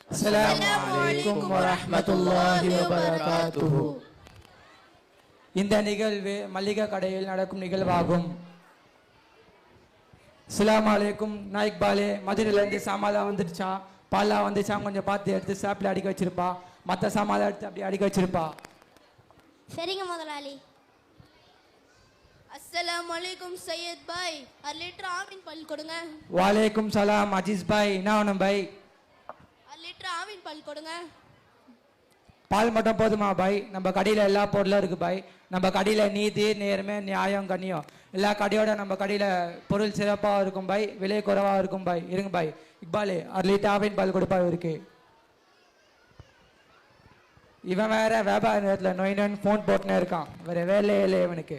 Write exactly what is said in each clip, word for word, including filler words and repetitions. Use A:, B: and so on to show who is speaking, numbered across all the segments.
A: அஸ்ஸலாமு வரஹ்மத்துல்லாஹி வபரகாத்துஹு. இந்த நிகழ்வு மல்லிகை கடையில் நடக்கும் நிகழ்வாகும். அஸ்ஸலாமு அலைக்கும். நாய்க் பாலே மதுரையிலேருந்து சாமாதான் வந்துடுச்சான், பால்லாம் வந்துச்சான், கொஞ்சம் பார்த்து எடுத்து சாப்பில் அடிக்க வச்சிருப்பா. மற்ற சாமாதான் எடுத்து அப்படி அடிக்க வச்சிருப்பா.
B: சரிங்க முதலாளி.
C: அஸ்ஸலாமு அலைக்கும் சையத் பாய், அரை லிட்டர் ஆவின் பால் கொடுங்க.
A: வாலேக்கும் சலாம் அஜீஸ் பாய். என்ன வேணும் பாய்?
C: அரை லிட்டர் ஆவின் பால் கொடுங்க.
A: பால் மட்டும் போதுமா பாய்? நம்ம கடையில் எல்லா பொருளும் இருக்கு பாய். நம்ம கடையில் நீதி, நேர்மை, நியாயம், கண்ணியம் எல்லா கடையோட நம்ம கடையில் பொருள் சிறப்பாக இருக்கும் பாய், விலை குறைவாக இருக்கும் பாய். இருங்க பாய். இக்பாலே அரை லிட்டர் ஆவின் பால் கொடுப்பா இருக்கு. இவன் வேற வியாபார நேரத்தில் நோய் நோயின் ஃபோன் போட்டுனே இருக்கான். வேற வேலையே இல்லை இவனுக்கு.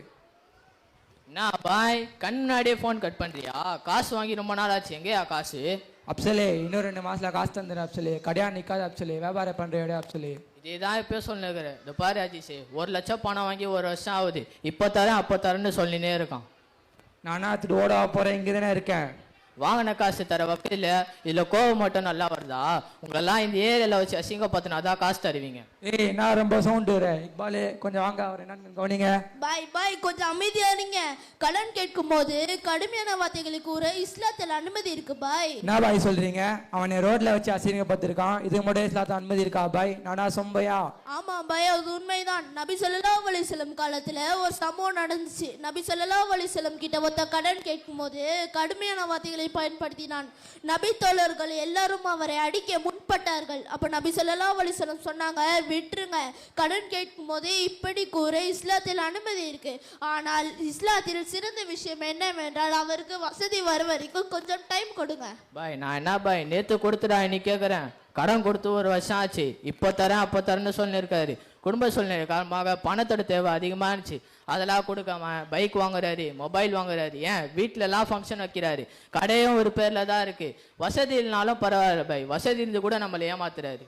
D: என்ன பாய், கண் முன்னாடியே ஃபோன் கட் பண்ணுறியா? காசு வாங்கி ரொம்ப நாள் ஆச்சு. எங்கேயா காசு?
A: அப்சலே இன்னும் ரெண்டு மாசத்துல காசு தந்துடுறேன் அப்சலே. கடையா நிற்காது அப்சலே, வியாபாரம் பண்ணுற இடம் அப்சலே.
D: இதே தான் இப்போ சொல்லினுக்கிறேன். இந்த பாரு அஜிஷே, ஒரு லட்சம் பணம் வாங்கி ஒரு வருஷம் ஆகுது. இப்போ தரேன் அப்போ தரேன்னு சொல்லினே இருக்கான்.
A: நானா திட்டு ஓட போகிறேன், இங்கே தானே இருக்கேன்.
D: வாங்கின காசு தர வகையில் இதில் கோவம் மட்டும் நல்லா வருதா? உங்களெல்லாம் இந்த ஏரியாவில் வச்சு அசிங்கப்படுத்தினா தான் காசு தருவீங்க.
A: ஏய் நான் ரொம்ப சவுண்டு இக்பாலே, கொஞ்சம் வாங்க. அவர் என்னன்னு கவனிங்க.
C: பாய் பாய் கொஞ்சம் அமைதியா இருங்க. கடன் கேட்கும் போது கடுமையான வார்த்தைகளை கூற இஸ்லாத்தில் அனுமதி இருக்கு பாய்.
A: என்ன பாய் சொல்றீங்க? அவனை ரோட்ல வச்சு அசிங்கப்பட்டிருக்கான். இதுக்கு மட்டும் இஸ்லாத்தில் அனுமதி இருக்கா பாய்? நானா சொம்பையா?
C: ஆமா பாய், அது உண்மைதான். நபி ஸல்லல்லாஹு அலைஹி வஸல்லம் காலத்துல ஒரு சம்பவம் நடந்துச்சு. நபி ஸல்லல்லாஹு அலைஹி வஸல்லம் கிட்ட ஒருத்த கடன் கேட்கும் போது கடுமையான வார்த்தைகளை பயன்படுத்தினான். நபி தோழர்கள் எல்லாரும் அவரை அடிக்க முன்பட்டார்கள். அப்ப நபி ஸல்லல்லாஹு அலைஹி வஸல்லம் சொன்னாங்க, விட்டுருங்க, கடன் கேட்கும் போதே இப்படி கூற இஸ்லாத்தில் அனுமதி இருக்கு. ஆனால் இஸ்லாத்தில் சிறந்த விஷயம் என்னவென்றால் அவருக்கு வசதி வரும் வரைக்கும் கொஞ்சம் டைம் கொடுங்க.
D: பாய் நான் என்ன பாய் நேற்று கொடுத்துடா இன்னைக்கு கேட்குறேன். கடன் கொடுத்து ஒரு வருஷம் ஆச்சு. இப்போ தரேன் அப்போ தரேன்னு சொல்லியிருக்காரு. குடும்ப சூழ்நிலை காரணமாக பணத்தோட தேவை அதிகமாக இருந்துச்சு. அதெல்லாம் கொடுக்காம பைக் வாங்குறாரு, மொபைல் வாங்குறாரு, ஏன் வீட்டிலலாம் ஃபங்க்ஷன் வைக்கிறாரு. கடையும் ஒரு பேரில் தான் இருக்குது. வசதி இல்லைனாலும் பரவாயில்ல பாய், வசதி இருந்து கூட நம்மளை ஏமாத்துறாரு.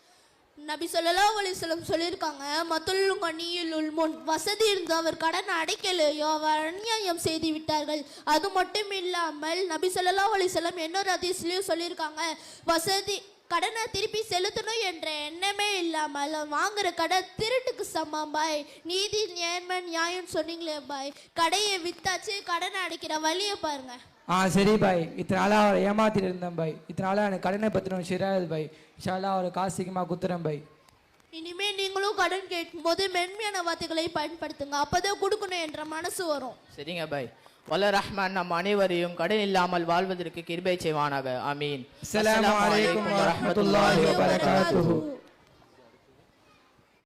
C: நபி ஸல்லல்லாஹு அலைஹி வஸல்லம் சொல்லியிருக்காங்க, மத்துல் கனியுல் முன், வசதி இருந்து அவர் கடன் அடைக்கலையோ அவர் அநியாயம் செய்து விட்டார்கள். அது மட்டும் இல்லாமல் நபி ஸல்லல்லாஹு அலைஹி வஸல்லம் இன்னொரு ஹதீஸ்லயும் சொல்லியிருக்காங்க, வசதி கடனை திருப்பி செலுத்தணும் என்ற எண்ணமே இல்லாமல் வாங்குற கடை திருட்டுக்கு சமம் பாய். நீதி நேர்மை நியாயம் சொன்னீங்களே பாய், கடையை வித்தாச்சு, கடனை அடைக்கிற வழியை பாருங்க.
A: ஆ சரி பாய். இத்தனை நாளாக அவரை ஏமாத்திட்டு இருந்தேன் பாய். இத்தனை நாளாக எனக்கு கடனை பற்றின விஷயம் பாய். இன்ஷால்லா அவரை காசு சீக்கிரமாக குத்துறேன் பாய்.
C: இனிமே நீங்களும் கடன் கேட்கும் போது மென்மையான வார்த்தைகளை பயன்படுத்துங்க, அப்பதான் கொடுக்கணும் என்ற மனசு வரும்.
D: சரிங்க பாய். வல்ல ரஹ்மான் நம் அனைவரையும் கடன் இல்லாமல் வாழ்வதற்கு கிருபை செய்வானாக. ஆமீன்.
A: அஸ்ஸலாமு அலைக்கும் வரஹ்மத்துல்லாஹி வபரகாத்துஹு.